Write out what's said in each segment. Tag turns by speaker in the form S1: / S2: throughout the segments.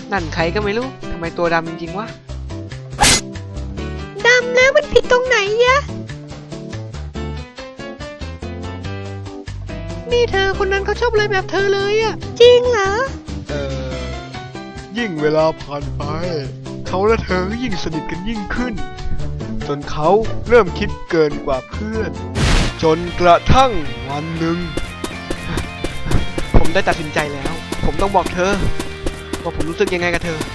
S1: นั่นใครก็ไม่รู้ทำไมตัวดำจริงๆวะ
S2: ดำแล้วมันผิดตรงไหนยะนี่เธอคนนั้นเขาชอบเลยแบบเธอเลยอะจริงเหรอ
S3: ยิ่งเวลาผ่านไปเขาและเธอก็ยิ่งสนิทกันยิ่งขึ้นจนเขาเริ่มคิดเกินกว่าเพื่อนจนกระทั่งวันหนึ่ง
S1: ผมได้ตัดสินใจแล้ว ผมต้องบอกเธอว่าผมรู้สึกยังไงกับเธอ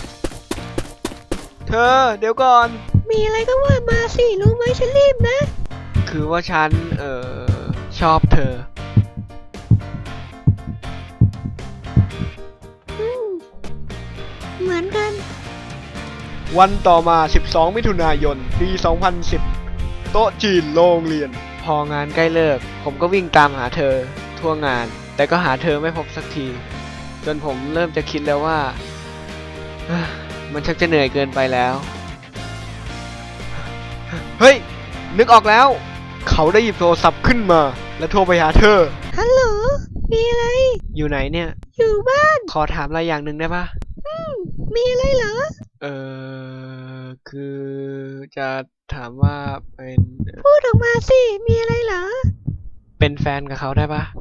S1: เดี๋ยวก่อน
S2: มีอะไรก็ว่ามาสิรู้ไหมฉันรีบนะ
S1: คือว่าฉันชอบเธอ
S2: เหมือนกัน
S3: วันต่อมา12มิถุนายนปี2010โต๊ะจีนโรงเรียน
S1: พองานใกล้เลิกผมก็วิ่งตามหาเธอทั่วงานแต่ก็หาเธอไม่พบสักทีจนผมเริ่มจะคิดแล้วว่ามันชักจะเหนื่อยเกินไปแล้วเฮ้ยนึกออกแล้ว
S3: เขาได้หยิบโทรศัพท์ขึ้นมาและโทรไปหาเธอ
S2: ฮัลโหลมีอะไร
S1: อยู่ไหนเนี่ย
S2: อยู่บ้าน
S1: ขอถามอะไรอย่างหนึ่งได้ปะ
S2: มีอะไรเหรอ
S1: คือจะถามว่าเป็น
S2: พูดออกมาสิมีอะไรเหรอ
S1: เป็นแฟนกับเขาได้ปะ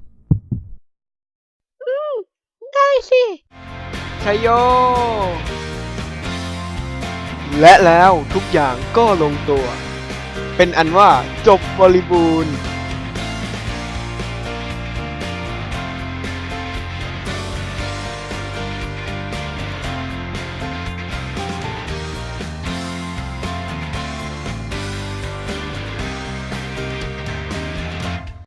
S2: ได้สิ
S1: ชัยโย
S3: และแล้วทุกอย่างก็ลงตัวเป็นอันว่าจบบริบูรณ์